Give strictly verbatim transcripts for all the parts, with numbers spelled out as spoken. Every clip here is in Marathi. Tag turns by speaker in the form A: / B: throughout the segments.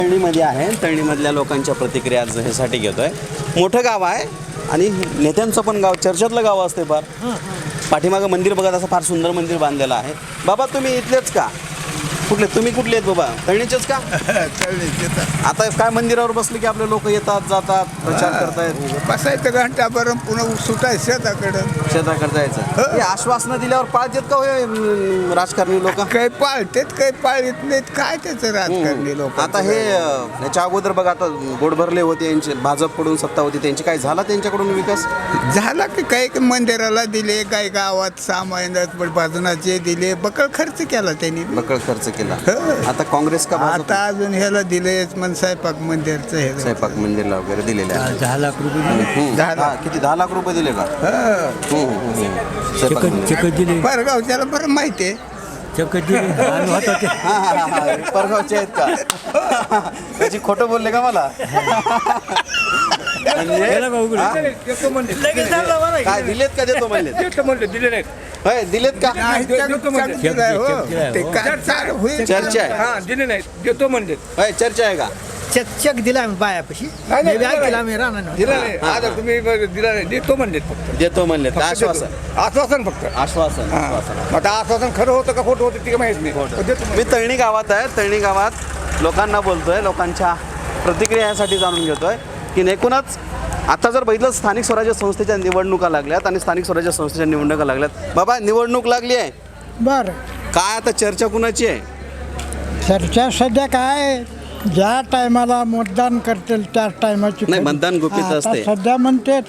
A: तळणीमध्ये आहे. तळणीमधल्या लोकांच्या प्रतिक्रिया आज ह्यासाठी घेतोय. मोठं गाव आहे आणि नेत्यांचं पण गाव, चर्चेतलं गाव असते फार. पाठीमागं मंदिर बघत असं फार सुंदर मंदिर बांधलेलं आहे. बाबा तुम्ही इथलेच का? कुठले तुम्ही कुठले आहेत बाबा? तळणीचेच का? आता काय मंदिरावर बसले की आपले लोक येतात जातात प्रचार करतायत.
B: बसायचं घंटा बरं पुन्हा सुटायचं शेताकडं
A: शेताकडे जायचं. हे आश्वासनं दिल्यावर पाळतात का होय अं, राजकारणी लोक?
B: काही पाळतेत काही पाळीत नाहीत. काय त्याचं राजकारणी लोक
A: आता हे अं, याच्या अगोदर बघा आता गोड भरले होते यांचे, भाजपकडून सत्ता होती त्यांची, काय झाला त्यांच्याकडून विकास?
B: झाला की काही मंदिराला दिले, काही गावात सामान्यात बाजूनाचे दिले, बकळ खर्च केला त्यांनी.
A: बकळ खर्च केला.
B: हं.
A: आता काँग्रेस का भाजप?
B: आता अजून ह्याला दिलेच मन स्वयंपाक मंदिरचं हे
A: स्वयंपाक मंदिरला वगैरे दिलेले आहे.
B: दहा लाख रुपये दिले.
A: हम्म.
B: दहा लाख.
A: हा, किती दहा लाख रुपये दिले का?
B: हं.
A: हम्म, हम्म, हम्म. स्वयंपाक मंदिर.
B: परगावच्याला बरं माहिती आहे.
A: हा, हा, हा, हा. परगावचे आहेत का? त्याची खोटं बोलले का मला? म्हणजे हा? काय दिलेत का? देतो म्हणले. होय दिलेत का?
B: ते काय चालू होईल.
A: चर्चा आहे.
C: हा दिले नाही देतो म्हणजे
A: होय चर्चा आहे का?
D: चेक चेक दिला आम्ही बायापाशी.
C: नाही, नाही,
D: मी बॅग
C: दिला
D: दिला आम्ही राहणार
C: दिला नाही. आता तुम्ही दिला नाही देतो म्हणजे फक्त
A: देतो म्हणले.
C: फक्त
A: आश्वासन
C: देतो. आश्वासन फक्त
A: आश्वासन
C: हा.
A: आश्वासन.
C: मग आता आश्वासन खरं होतं का खोटं होतं ते माहित नाही पण देतो
A: मी तळणी गावात आहे. तळणी गावात लोकांना बोलतोय, लोकांच्या प्रतिक्रिया यासाठी जाणून घेतोय की एकूणच आता जर बघितलं स्थानिक स्वराज्य संस्थेच्या निवडणुका लागल्यात आणि स्थानिक स्वराज्य संस्थेच्या निवडणुका लागल्यात. बाबा निवडणूक लागली आहे,
D: बरं.
A: काय आता चर्चा कुणाची आहे?
D: चर्चा सध्या काय, ज्या टायमाला मतदान करतील त्या टायमाची
A: नाही, मतदान गुपित
D: आता
A: असते.
D: सध्या म्हणतात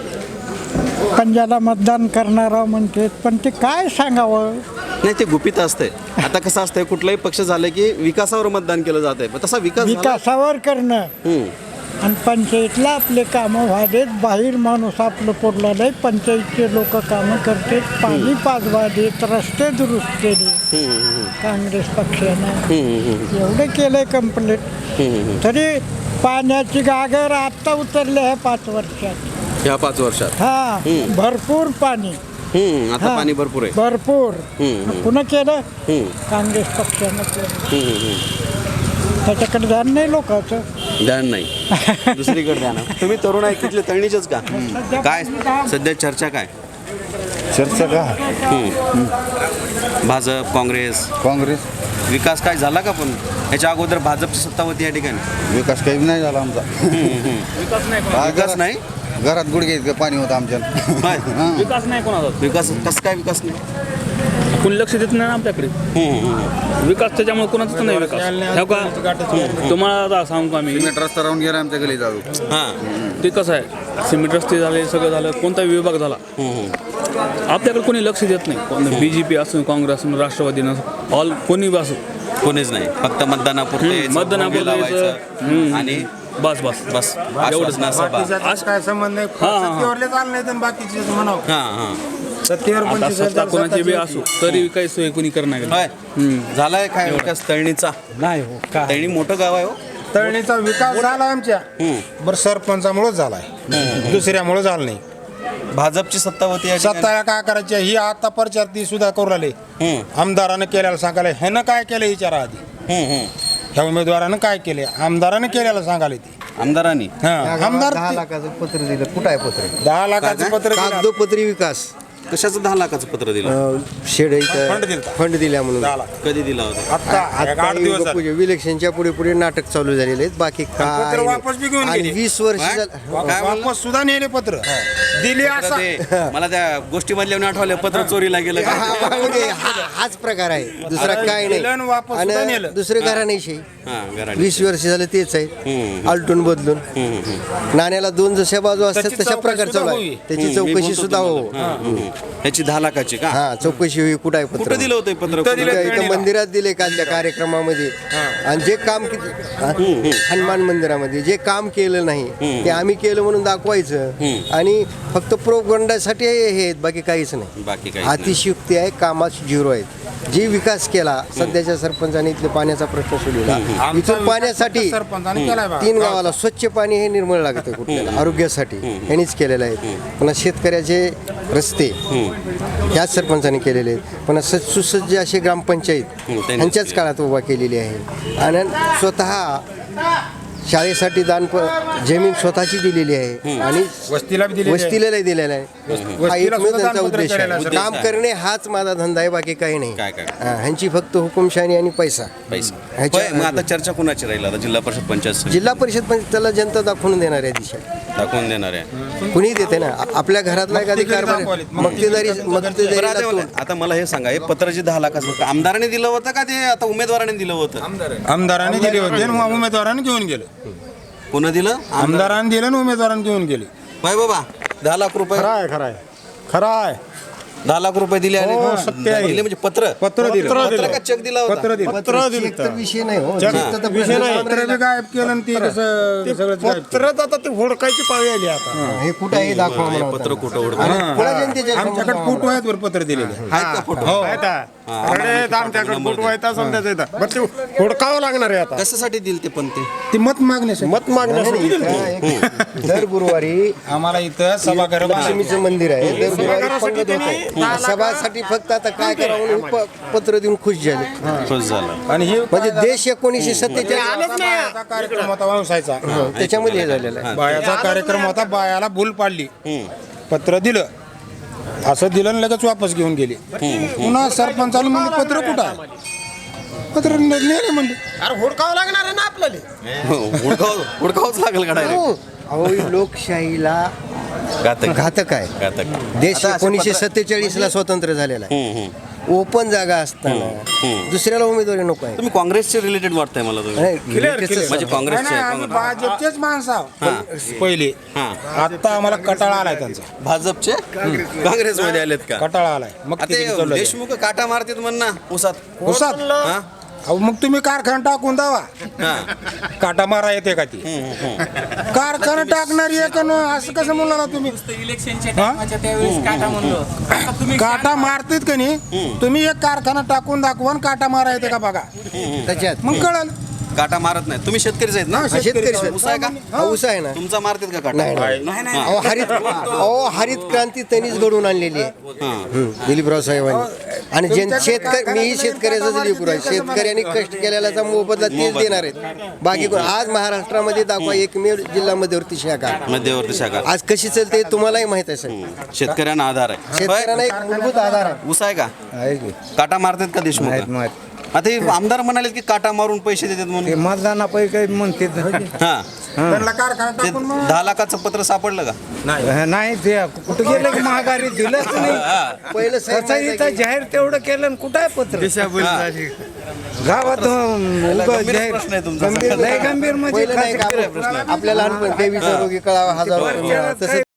D: पंजाला मतदान करणारा म्हणतात, पण ते काय सांगावं.
A: नाही ते गुपित असते. आता कसं असतंय कुठलाही पक्ष झालं की विकासावर मतदान केलं जात आहे. तसा विकास झाला?
D: विकासावर करणं
A: हम्म.
D: आणि पंचायतला आपले कामं व्हावेत. बाहेर माणूस आपलं पडला नाही, पंचायतचे लोक कामं करतात, पाणी पाजवा देत, रस्ते दुरुस्त केले
A: हम्म, हम्म,
D: काँग्रेस पक्षानं.
A: हम्म, हम्म,
D: एवढं केलंय कंप्लीट.
A: हम्म, हम्म.
D: तरी पाण्याची गागर आत्ता उतरली आहे पाच वर्षात.
A: ह्या पाच वर्षात
D: हा
A: हम्म.
D: भरपूर पाणी.
A: हम्म, आता
D: हा.
A: पाणी भरपूर आहे.
D: भरपूर.
A: हम्म, हम्म.
D: पुन्हा केलं
A: हम्म,
D: काँग्रेस पक्षानं केलं.
A: हम्म, हम्म.
D: त्याच्याकडे ध्यान नाही लोकांचं.
A: ध्यान नाही, दुसरीकडे ध्यान आहे. तुम्ही तरुण आहे तिथले तळणीचेच का? काय सध्या चर्चा काय?
E: चर्चा का
A: हम्म. भाजप काँग्रेस
E: काँग्रेस
A: विकास काय झाला का? पण याच्या अगोदर भाजपची सत्ता होती या ठिकाणी.
E: विकास काही नाही झाला आमचा.
A: विकास नाही.
E: घरात गुडघे इतकं पाणी होतं आमच्या.
A: होय.
C: विकास नाही कोणाचा
A: विकास कसं काय विकास नाही?
C: कोणी लक्ष देत नाही ना आपल्याकडे
A: हम्म, हम्म.
C: विकास त्याच्यामुळे कोणाचाच नाही विकास ह्या का तुम्हाला आता सांगू आम्ही
E: सिमेंट रस्ता राहून गेला आमच्या गली जाऊ.
A: हां.
C: ते कसं आहे सिमेंट रस्ते झाले सगळं झालं कोणताही विभाग झाला
A: हम्म, हम्म.
C: आपल्याकडे कोणी लक्ष देत नाही कोण बी जे पी असो काँग्रेस असो राष्ट्रवादी नसो ऑल कोणी बी असो
A: कोणीच नाही, फक्त मतदानापुरते
C: हम्म,
A: यायचं,
C: मतदानापुरतं
A: भोंगे लावायचं.
C: यायचं. हम्म.
A: आणि
C: बस बस
A: बस एवढंच ना सभा.
C: आज
F: काय संबंध नाही.
C: हा, हा.
F: सत्तेवरले चालले नाही तर बाकीचे म्हणावं
A: हां हां.
F: सत्तेवर
C: आता
F: पंचवीस
C: सत्ता
F: हजार,
C: कोणाची बी
F: सत्ताची-
C: असो तरी काही सोय कोणी करणार
A: होय.
C: हम्म.
A: झालाय काय विकास तळणीचा?
F: नाही हो का
A: तळणी मोठं गाव आहे हो.
F: तळणीचा विकास झाला आमच्या
A: हम्म.
F: बरं सरपंचामुळे झालाय दुसऱ्यामुळे झाला नाही.
A: भाजपची सत्ता होती या ठिकाणी.
F: सत्ताला काय करायची ही आता प्रचार ती सुद्धा करू राहिले.
A: हम्म,
F: आमदारानं केल्याला सांगायला ह्यानं काय केलं विचारा आधी.
A: हम्म, हम्म.
F: ह्या उमेदवारानं काय केले आमदारानं केल्याला सांगायला ती
A: आमदारांनी
F: हा आमदार
G: दहा
F: ती-
G: लाखाचं पत्र दिलं. कुठं आहे पत्र?
F: दहा लाखाचं
A: काय?
F: पत्र दिलं.
G: कागदोपत्री विकास.
A: कशाचं दहा लाखाचं पत्र दिलं?
G: अं, शेड
F: फंड
G: इथं
F: दिलता.
G: फंड दिल्या म्हणून.
F: दहा लाख
A: कधी दिला होता?
F: आता एक आठ दिवस झाले.
G: इलेक्शनच्या पुढे पुढे नाटक चालू झालेले आहेत. बाकी
F: पत्र
G: काय
F: वापस बी घेऊन
G: आणि
F: गेले.
G: वीस वर्ष
A: काय?
G: झालं.
A: काय म्हणला?
F: वापस सुद्धा नेले पत्र दिले
A: पत्र
F: असा
A: ते- मला त्या गोष्टी मधल्या आठवलं पत्र चोरीला गेलं का?
G: हा, म्हणजे हा- हाच प्रकार आहे, दुसरा काय
F: दिलं आणि वापस सुद्धा
G: नाही.
F: नेलं.
G: आणि दुसरे घराण्याशी
A: हां, घराने.
G: वीस वर्ष झालं तेच आहे.
A: हम्म.
G: आलटून बदलून
A: हम्म, हम्म.
G: नाण्याला दोन जशा बाजू असतात
F: त्याची
G: तशा
F: चौकशी
G: प्रकार चालू
F: सुद्धा
G: आहे.
F: होईल.
G: त्याची
A: हम्म, मी
G: चौकशी
A: बोलतो
G: सुद्धा हो.
A: तुम्हाला. हां, हम्म. ह्याची दहा लाखाची का?
G: हा चौकशी होई. कुठं आहे पत्र?
A: कुठं दिलं होतं हे पत्र?
F: इथं दिलं.
G: इथं- इथं
F: तळणीला.
G: मंदिरात दिले कालच्या कार्यक्रमामध्ये. आणि जे काम किती हा? हनुमान मंदिरामध्ये जे काम केलं नाही ते आम्ही केलं म्हणून दाखवायचं. आणि फक्त प्रोपगंडासाठी हे आहेत, बाकी काहीच नाही.
A: बाकी काही
G: अतिशयुक्ती आहे, कामात झिरो आहेत. जी विकास केला सध्याच्या सरपंचाने इथले पाण्याचा प्रश्न सोडवला.
F: आमचा
G: इथून
F: विकास
G: पाण्यासाठी
F: सरपंचाने केलाय बा.
G: तीन गावाला स्वच्छ पाणी हे निर्मळ लागतं कुठल्याला आरोग्यासाठी यांनीच केलेलं आहे. पुन्हा शेतकऱ्याचे रस्ते ह्याच सरपंचाने केलेले आहेत. पुन्हा स- सुसज्ज असे ग्रामपंचायत
A: त्यांनीच
G: ह्यांच्याच
A: केले.
G: काळात उभा केलेली आहे. आणि स्वतः शाळेसाठी दान प- जमीन स्वतःची दिलेली आहे आणि
F: वस्तीला बी दिलेली आहे.
G: वस्तीला दिलेला आहे हा
F: वस्तीला
G: एकमेव
F: सुद्धा
G: त्यांचा
F: दानपत्र
G: उद्देश
F: केलेलं
G: आहे
F: आहे.
G: काम करणे हाच माझा धंदा आहे, बाकी काही नाही
A: काय काय?
G: हा, ह्यांची फक्त हुकुमशाही आणि पैसा
A: पैसा
G: ह्याच्या-
A: होय, मग आता चर्चा कुणाची राहील आता जिल्हा परिषद पंचायत समिती
G: जिल्हा परिषद पण त्याला जनता दाखवून देणार आहे दिशा
A: दाखवून देणार आहे.
G: कुणी देते ना आ- आपल्या घरातला एखादी
F: मक्तेदारी
G: कारभार
F: दाखवालीत.
G: मक्तेदारी
A: बरं, आता
G: मक्तेदारीला
A: मला-
G: तो-
A: आता मला हे सांगा हे पत्र जे दहा लाखाचं आमदाराने दिलं होतं का ते आता उमेदवाराने दिलं होतं?
F: आमदारांनी दिले होते आणि उमेदवारांनी घेऊन गेले.
A: पुन्हा दिलं
F: आमदारांनी दिलं आणि उमेदवारांनी घेऊन गेले.
A: बाय बाबा दहा लाख रुपये
F: खरं आहे खरं आहे खरं आहे
A: दहा लाख रुपये दिले आणि
F: हो, सत्य आहे.
A: दिले म्हणजे पत्र
F: पत्र दिलं.
A: पत्र का चेक दिला होता?
F: पत्र दिलं.
G: पत्र चेक तर विषय नाही हो चेक तर
F: विषय नाही.
G: प्रश्न
F: पत्र बी गायब केलं आणि ते कसं सगळंच गायब केलं.
D: आता ते होडकायची पाळी आली आता
G: हे कुठं आहे दाखवा
A: हे
G: म्हणा
A: पत्र
G: होता.
A: कुठं उडतं?
G: आणि पुढे जनतेच्या समोर
F: आमच्याकडे
G: दाखवा
F: फोटो आहेत वर पत्र दिलेले.
A: आहेत का फोटो?
D: आमच्याकडे फोटो आहे समजायचं येतात बरं ते होडकावं लागणार आहे आता
A: कशासाठी दिल ते पण ते
F: ते मत मागण्यासाठी
G: मत मागण्यासाठी इथं दर गुरुवारी
F: आम्हाला इथं सभागृह
G: लक्ष्मीचं मंदिर आहे दर गुरुवारी पंगत होते सभासाठी फक्त आता काय करावं म्हणून प- पत्र देऊन खुश झाले
A: खुश झालं.
F: आणि हे
G: म्हणजे देश एकोणीसशे सत्तेचाळीस
F: बायाचा कार्यक्रम होता वंशायचा.
G: त्याच्यामध्ये हे झालेलं आहे
F: बायाचा कार्यक्रम होता, बायाला भूल पाडली, पत्र दिलं असं दिलं आणि लगेच वापस घेऊन गेले. पुन्हा सरपंचाने म्हणले पत्र कुठं आहे? पत्र नेले म्हणले.
D: अरे होडकावं लागणार आहे ना आपल्याला
A: हुडकाव हुडकावच लागेल का डायरेक्ट?
G: हो. अहो ही लोकशाहीला
A: घातक
G: घातक आहे
A: घातक
G: देश
A: आता असे
G: एकोणीसशे
A: पत्र-
G: सत्तेचाळीस ला स्वतंत्र झालेला आहे
A: हम्म, हम्म.
G: ओपन जागा असताना दुसऱ्याला उमेदवारी नको आहे
A: तुम्ही काँग्रेसचे रिलेटेड वाटतंय मला तुम्ही
G: नाही, latest
A: म्हणजे
F: नाही,
A: काँग्रेसचे
F: नाही, आम्ही भाजपचेच माणसं आहोत. पहिले
A: हां.
F: आता आम्हाला कटाळा आलाय त्यांचा.
A: भाजपचे काँग्रेसमध्ये आलेत का?
F: कटाळा आलाय मग
A: आता
F: ते
A: हे
F: चाललंय.
A: देशमुख काटा मारतात म्हण ना उसात
F: उसात
A: हा?
F: अहो मग तुम्ही कारखाना टाकून दावा
A: हा.
F: काटा मारा येते का ती कारखाना टाकणारी आहे का न असं कसं म्हणला तुम्ही
H: इलेक्शनच्या
F: हा?
H: टायमाच्या त्यावेळेस काटा म्हणलो आता तुम्ही
F: काटा मारतात का नाही तुम्ही एक कारखाना टाकून दाखवा आणि काटा मारा येते का बघा
G: त्याच्यात
F: मग कळल.
A: काटा मारत नाही तुम्ही शेतकरीच आहेत ना?
F: हा, शेतकरी.
G: शेतकरी
A: ऊस आहे का?
G: हा, ऊस आहे ना
A: तुमचा मारतात का काटा?
G: नाही, नाही. अहो हरित अहो हरित क्रांती त्यांनीच घडवून आणलेली आहे हम्म, दिलीपराव साहेबांनी आणि ज्यां शेतकरी मीही शेतकऱ्याचाच लेकरू आहे शेतकऱ्यांनी कष्ट केलेल्याचा मोबदला तेच देणार आहेत बाकी कोण आज महाराष्ट्रामध्ये दाखवा एकमेव जिल्हा मध्यवर्ती शाखा
A: मध्यवर्ती शाखा
G: आज कशी चालते हे तुम्हालाही माहित आहे साहेब
A: शेतकऱ्यांना आधार आहे
G: शेतकऱ्यांना एक मूलभूत आधार आहे
A: ऊस आहे का?
B: आहे की
A: काटा मारतात का देशमुख? आता हे आमदार म्हणाले की काटा मारून पैसे देतात म्हणून
B: मतदानापैकी काही म्हणते
A: हा
F: त्यांना कारखाना
A: ते
F: टाकून मग
A: दहा लाखाचं पत्र सापडलं का?
B: नाही ते कुठं गेलं की महागारी दिलंच नाही
G: पहिलं साहेब
B: तसं इथं जाहीर तेवढं केलं आणि कुठं आहे पत्र गावात अं, उगाच
A: गंभीर
B: जाहीर
A: प्रश्न आहे तुमचा.
B: गंभीर लय गंभीर म्हणजे
G: पहिलं नाही का
A: गंभीर आहे प्रश्न.
G: आपल्याला लहानपणी देवीचा रोगी कळावा हजार रुपये मिळाला. तसं